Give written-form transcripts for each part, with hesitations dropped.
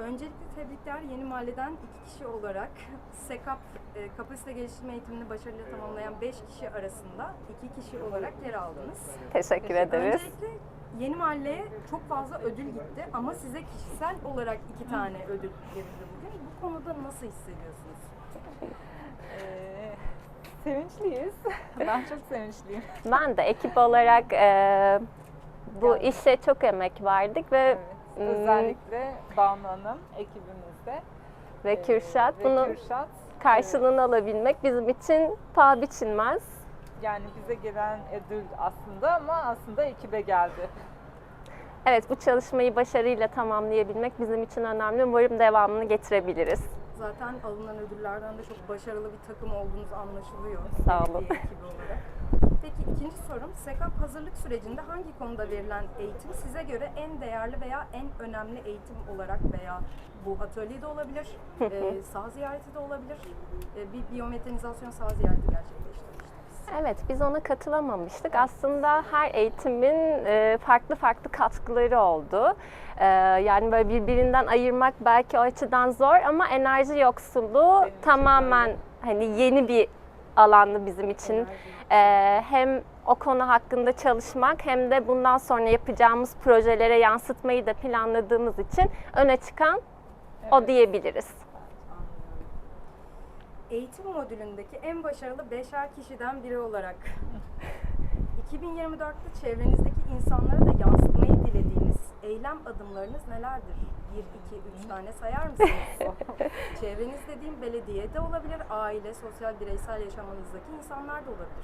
Öncelikle tebrikler. Yeni Mahalle'den 2 kişi olarak SEKAP kapasite geliştirme eğitimini başarıyla tamamlayan 5 kişi arasında 2 kişi olarak yer aldınız. Teşekkür ederiz. Öncelikle Yeni Mahalle'ye çok fazla ödül gitti ama size kişisel olarak 2 tane ödül verildi bugün. Bu konuda nasıl hissediyorsunuz? Sevinçliyiz. Ben çok sevinçliyim. Ben de ekip olarak bu işe çok emek verdik ve Evet, özellikle Banu Hanım ekibimizde ve Kürşat ve bunun Kürşat, karşılığını alabilmek bizim için paha biçilmez. yani bize gelen ödül aslında ekibe geldi. Evet, bu çalışmayı başarıyla tamamlayabilmek bizim için önemli. Umarım devamını getirebiliriz. Zaten alınan ödüllerden de çok başarılı bir takım olduğunuz anlaşılıyor. Sağ olun. Belediye ekibi olarak. Peki ikinci sorum, SEKAP hazırlık sürecinde hangi konuda verilen eğitim size göre en değerli veya en önemli eğitim olarak veya bu atölye de olabilir, saha ziyareti de olabilir, bir biyomekanizasyon saha ziyareti gerçekleştirmiştiniz. Evet, biz ona katılamamıştık. Aslında her eğitimin farklı farklı katkıları oldu. Yani böyle birbirinden ayırmak belki o açıdan zor ama enerji yoksulluğu Benim için tamamen hani yeni bir alandı bizim için. Hem o konu hakkında çalışmak hem de bundan sonra yapacağımız projelere yansıtmayı da planladığımız için öne çıkan o diyebiliriz. Eğitim modülündeki en başarılı 5'er kişiden biri olarak 2024'te çevrenizdeki insanlara da yansıtmayı dilediğiniz eylem adımlarınız nelerdir? 1, 2, 3 tane sayar mısınız? Çevreniz dediğim belediye de olabilir, aile, sosyal, bireysel yaşamınızdaki insanlar da olabilir.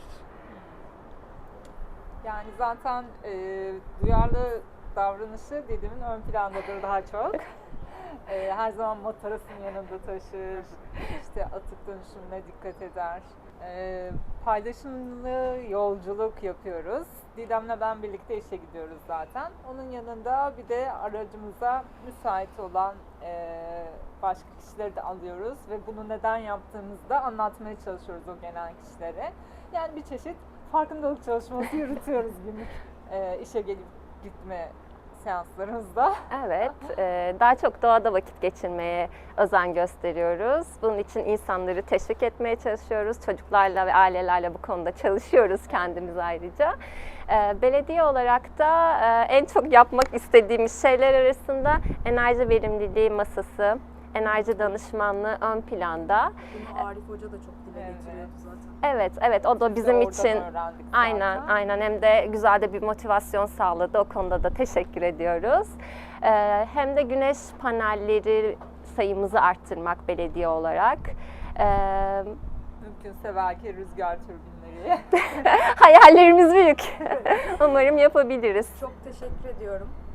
Yani zaten duyarlı davranışı dediğimin ön plandadır daha çok. Her zaman matarasını yanında taşır, işte atık dönüşümüne dikkat eder. Paylaşımlı yolculuk yapıyoruz. Didem'le ben birlikte işe gidiyoruz zaten. Onun yanında bir de aracımıza müsait olan başka kişileri de alıyoruz ve bunu neden yaptığımızı da anlatmaya çalışıyoruz o gelen kişilere. Yani bir çeşit farkındalık çalışması yürütüyoruz günlük işe gelip gitme seanslarımızda. Evet, daha çok doğada vakit geçirmeye özen gösteriyoruz. Bunun için insanları teşvik etmeye çalışıyoruz. Çocuklarla ve ailelerle bu konuda çalışıyoruz kendimiz ayrıca. Belediye olarak da en çok yapmak istediğimiz şeyler arasında enerji verimliliği masası, enerji danışmanlığı ön planda. Bunu Arif Hoca da çok dile getiriyordu zaten. Evet, o da bizim Oradan için öğrendik aynen, zaten. hem de güzel de bir motivasyon sağladı. O konuda da teşekkür ediyoruz. Hem de güneş panelleri sayımızı arttırmak belediye olarak. Mümkünse belki rüzgar türbinleri. Hayallerimiz büyük. Umarım yapabiliriz. Çok teşekkür ediyorum.